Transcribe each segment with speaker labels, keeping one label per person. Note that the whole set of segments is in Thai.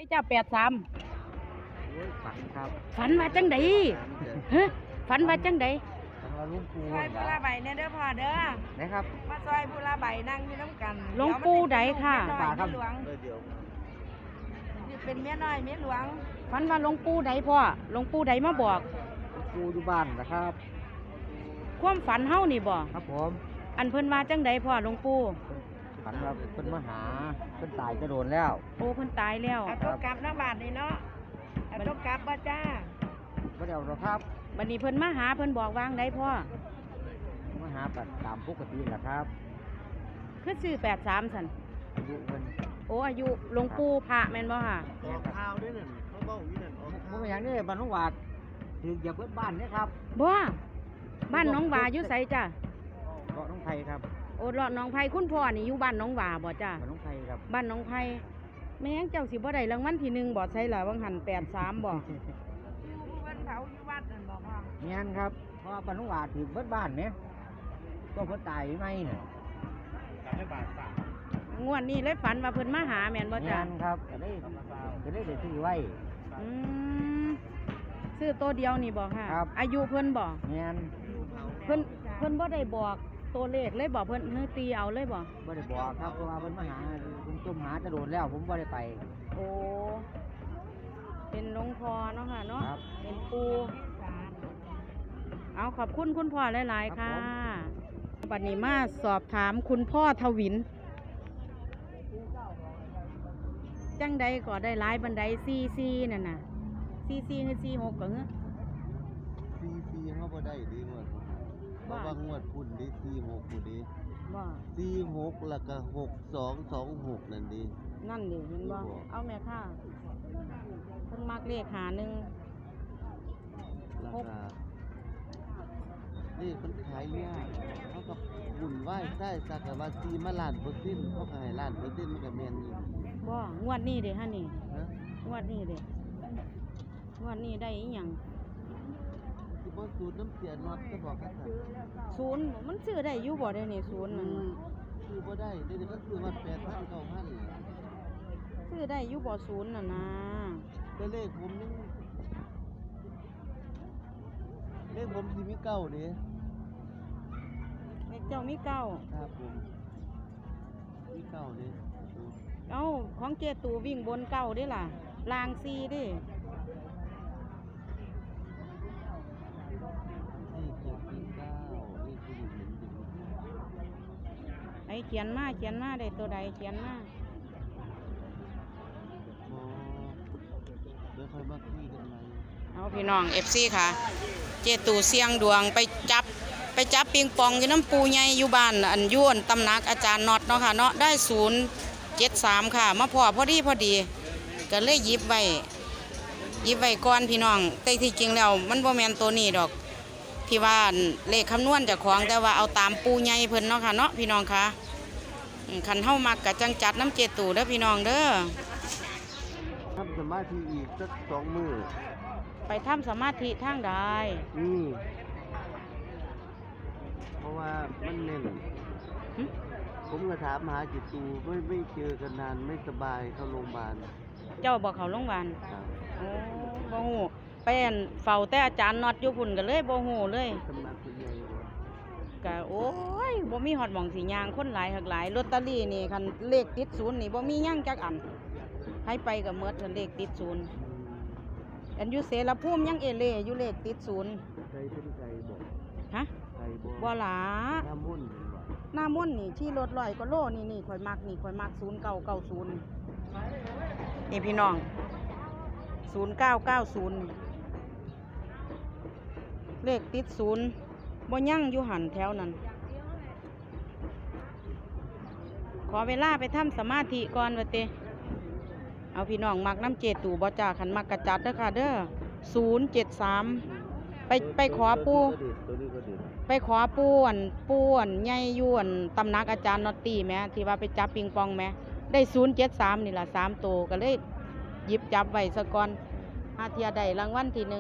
Speaker 1: จ้า83
Speaker 2: ฝันครับ
Speaker 1: ฝันว่าจังไดฮะฝันว่าจังได
Speaker 2: ฝันว่าลุงปู
Speaker 3: ซอยผู้ละใบเนี่ยเด้อพ่อเด้อ
Speaker 2: นะครับ
Speaker 3: มาซอยผู้ละใบนั่งอยู่น้ำกัน
Speaker 1: หลวงปู่ใดค่ะ
Speaker 3: เมียน้อยเมียหลวง
Speaker 2: เดี๋ยว
Speaker 3: นี่เป็นเมียน้อยเมียหลวง
Speaker 1: ฝันว่าหลวงปู่ใดพ่อหลวงปู่ใดมาบอก
Speaker 2: ลุงปูอยู่บ้านนะครับ
Speaker 1: ความฝันเฮานี่บ่
Speaker 2: ครับผม
Speaker 1: อันเพิ่นว่าจังไดพ่อหลวงปู่
Speaker 2: ฝันว่าเพิ่นมาหาเพิ่นตายจะโดนแล้ว
Speaker 1: โอ้เพิ่นตายแล้ว
Speaker 3: เอาตัวกลับน้ำบาทนี่เนาะเอาตัวกลับบ่จ้า
Speaker 2: ไม่ได้เอาหรอกครับ
Speaker 1: บัดนี้เพิ่นมาหาเพิ่นบอกวางไดพ่อ
Speaker 2: มาหาแบบตามปกติแหละครับ
Speaker 1: คือซื้อ83ซั่น
Speaker 2: อายุเพิ่น
Speaker 1: โอ้อายุหลวงปู่พระแม่นบ่ค่ะ
Speaker 2: ออกข่าวด้วยนั่นเขาเบ้าอยู่นั่นมันเป็นอย่างนี้บ้านน้องหวาดถืออย่าเบิดบ้านเนี่ยครับ
Speaker 1: บ่บ้านหน้องหวาอยู่ไสจ้ะ
Speaker 2: เกาะน้องไผ่ครับ
Speaker 1: โอ้เลาะหนองไผ่คุณพ่อนี่อยู่บ้านหน้องหวาบ่จ้ะ
Speaker 2: บ้านน้องไผ่ครับ
Speaker 1: บ้านหน้องไผ่แม่งเจ้าสิบ่ได้รางวัลที่1บ่ใช่ล่ะวังหัน83บ่
Speaker 3: อยู่ผู้เพิ่นเผาอยู่วัดนั่นบอกพ่อ
Speaker 2: เงี้ยครับเพราะว่าบ้านน้องหวาดถือเบิดบ้านเนี่ยก็เพิ่นตายไหมเนี่ย
Speaker 1: งวดนี้เลยฝันว่าเพิ่นมาหาแม่นบ่จ้ะ
Speaker 2: เงี้ยครับจะได้ซื้อไว้
Speaker 1: อืมซื้อตัวเดียวนี่บ่ค่ะ
Speaker 2: ครับ
Speaker 1: อายุเพิ่นบ่
Speaker 2: เงี้ย
Speaker 1: เพิ่นบ่ได้บอกตัวเลขเลยบ่เพิ่นเฮือตีเอาเลยบ่
Speaker 2: ไม่ได้บอกครับเพราะว่าเพิ่นมาหาผมจมหาจะโดนแล้วผมไม่ได้ไป
Speaker 1: โอ้เป็นหลวงพ่อเนาะค่ะเนาะ
Speaker 2: ครับ
Speaker 1: เป็นปู่เอาขอบคุณคุณพ่อหลายๆ
Speaker 2: ครั
Speaker 1: ค่ะ
Speaker 2: บ
Speaker 1: บัดนี้มาสอบถามคุณพ่อทวิน จังใดก็ได้หลายบันได44นั่นน่ะ44คือ46ก็เฮ้อ
Speaker 4: ซีเขาบ่ได้ดีงวดเพราะว่างวดพุ่นดี46พุ่นดี
Speaker 1: บ่
Speaker 4: 46แล้วก็6226นั่นดี
Speaker 1: นั่นดิเห็นบ่
Speaker 4: บ่
Speaker 1: เอาแม่ค่ะเพิ่นมักเลขหาหนึ่ง
Speaker 4: ราคานี่มันขายยากเขาก็บุญไหว้ใต้สักกะว่าซีมาล้านเปอร์เซ็นต์เขาก็ให้ล้านเปอร์เซ็นต์มันก็แม่นอยู่
Speaker 1: บ่งวดนี้เด้ฮะนี่
Speaker 4: ฮะ
Speaker 1: งวดนี้เด้งวดนี้ได้อีหยัง
Speaker 4: ที่บ่สูตรน้ำเสียน็อตก็บอกกันซะ
Speaker 1: ศูนย์มันซื้อได้อยู่บ่ได้นี่ศูนย์นั่น
Speaker 4: คือบ่ได้เดี๋ยวนี้มันคือว่า8,000 9,000
Speaker 1: ซื้อได้อยู่บ่ศูนย์น่ะนะ
Speaker 4: แต่เลขผมยังเลขผมสิมีเก้าเด้
Speaker 1: เลขเจ้ามีเก้า
Speaker 4: ครับผมมีเก้าเด้
Speaker 1: เอ้าของเจตูวิ่งบนเก้าเด้ล่ะลางซีเด้
Speaker 4: นี่เจ็ดสี่เก้านี่คืออยู่เหมือนอยู่
Speaker 1: ไอ้เขียนมาได้ตัวใดเขียนมา
Speaker 4: พอเดี๋ยวค่อยมาคุยกันใหม่
Speaker 1: เอาพี่น้อง FC ค่ะ เจตูเสียงดวงไปจับปิงปองอยู่น้ำปูใหญ่อยู่บ้านอันยวนตำหนักอาจารย์น็อตเนาะค่ะเนาะได้073ค่ะมาพอดีก็เลยหยิบไว้ก่อนพี่น้องแต่ที่จริงแล้วมันบ่แม่นตัวนี้ดอกที่ว่าเลขคำนวณเจากของแต่ว่าเอาตามปูใหญ่เพิ่นเนาะค่ะเนาะพี่น้องค่ะคันเฮามักกะจังจัดน้ำเจตูเด้อพี่น้องเด้อ
Speaker 4: ทำสมาธิอีกสัก2 มื้อ
Speaker 1: ไปทำสมาธิทางใด
Speaker 4: เพราะว่ามันเน่น
Speaker 1: หึ
Speaker 4: ผมก็ถามหาจิตตูไม่เจอกันนานไม่สบายเข้าโรงพยาบาล
Speaker 1: เจ้าบอกเขาโรงพยาบาล
Speaker 4: ครับ
Speaker 1: โอ้บ่ฮู้ไปอั่นเฝ้าแต่อาจารย์น็อตอยู่พุ่นก็เลยบ่ฮู้เลย
Speaker 4: สำนักคุณใหญ่บ่
Speaker 1: ก็โอ้ยบ่มีฮอดหม่องสิย่างคนหลายหักหลายลอตเตอรี่นี่คันเลขติดศูนย์นี่บ่มีหยังจักอันให้ไปก็หมดคันเลขติดศูนย์อันอยู่เสรภูมิยังเอเล่อยู่เลขติดศูนย์
Speaker 4: ใจเป็นใจบ่
Speaker 1: ฮะ
Speaker 4: ใจบ่
Speaker 1: บ่หลา
Speaker 4: น้ำมุ่นต์เห็นบ่
Speaker 1: หน้ามนต์นี่ที่รถ100กว่าโลนี่ข่อยมัก0990นี่พี่น้อง0990เลขติดศูนย์บ่ยั่งอยู่หันแถวนั้น ขอเวลาไปทำสมาธิก่อนว่าเตเอาพี่น้องมักน้ำเจตูบ่จ่าขันมักกระจัดเด้อค่ะเด้อ073ไปขอปู
Speaker 4: ตัวนี้ก็เด็ด
Speaker 1: ไปขอปูอั่นใหญ่อยู่อั่นตำหนักอาจารย์นอตตี้แหมที่ว่าไปจับปิงปองแหมได้073นี่ล่ะ3ตัวก็เลยหยิบจับไว้ซะก่อนหาเทียได้รางวัลที่1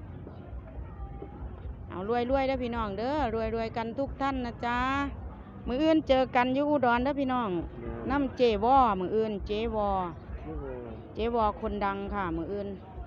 Speaker 1: เอารวยๆเด้อพี่น้องเด้อรวยๆกันทุกท่านนะจ๊ะมื้ออื่นเจอกันอยู่อุดรเด้อพี่น้องน้ำเจวอมื้ออื่นเจวอ
Speaker 4: โอ้โห
Speaker 1: เจ๊วอคนดังค่ะมืออื่น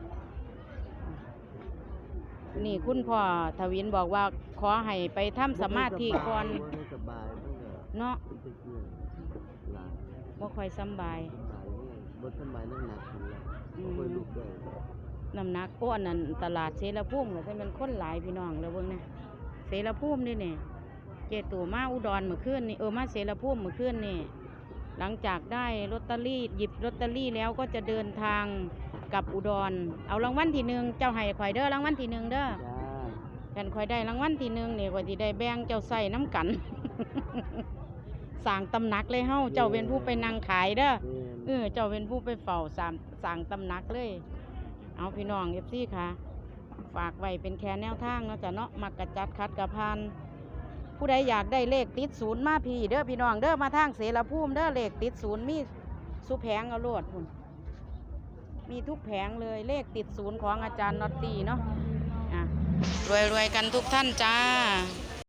Speaker 1: นี่คุณพ่อทวินบอกว่าขอให้ไปทำสมาธิก่อน
Speaker 4: บ่ได้สบายมันก็
Speaker 1: เนาะ
Speaker 4: เป็นตะเกียงหลาน
Speaker 1: บ่ค่อยสำบาย
Speaker 4: สบายเนี่ยบ่สบายหนักๆพุ่นล่ะ
Speaker 1: อืม
Speaker 4: บ่ค่อยลุกได้
Speaker 1: น้ำหนักอ้วนนั่นตลาดเสรภูมิก็จะเป็นคนหลายพี่น้องแล้วเบิ่งนะเสรภูมินี่นี่เจตู่มาอุดรเมื่อคืนนี่มาเสรภูมิเมื่อคืนนี่หลังจากได้ลอตเตอรี่หยิบลอตเตอรี่แล้วก็จะเดินทางกลับอุดรเอารางวัลที่หนึ่งเจ้าให้ข่อยเด้อรางวัลที่หนึ่งเด้อ
Speaker 4: จ้า
Speaker 1: กันข่อยได้รางวัลที่หนึ่งนี่ข่อยสิได้แบ่งเจ้าใส่น้ำกัน สร้างตำหนักเลยเฮาเจ้าเป็นผู้ไปนั่งขายเด้อ
Speaker 4: แม่น
Speaker 1: เจ้าเป็นผู้ไปเฝ้าสั่งตำหนักเลย เอาพี่น้องเอฟซีค่ะ ฝากไว้เป็นแค่แนวทางเนาะจ้ะเนาะมักกระจัดคัดกระพาน ผู้ใดอยากได้เลขติดศูนย์มาพี่เด้อพี่น้องเด้อมาทางเสรภูมิเด้อเลขติดศูนย์มีสุแผงเอาโลดพุ่นมีทุกแผงเลยเลขติดศูนย์ของอาจารย์น็อตตี้เนาะรวยๆกันทุกท่านจ้า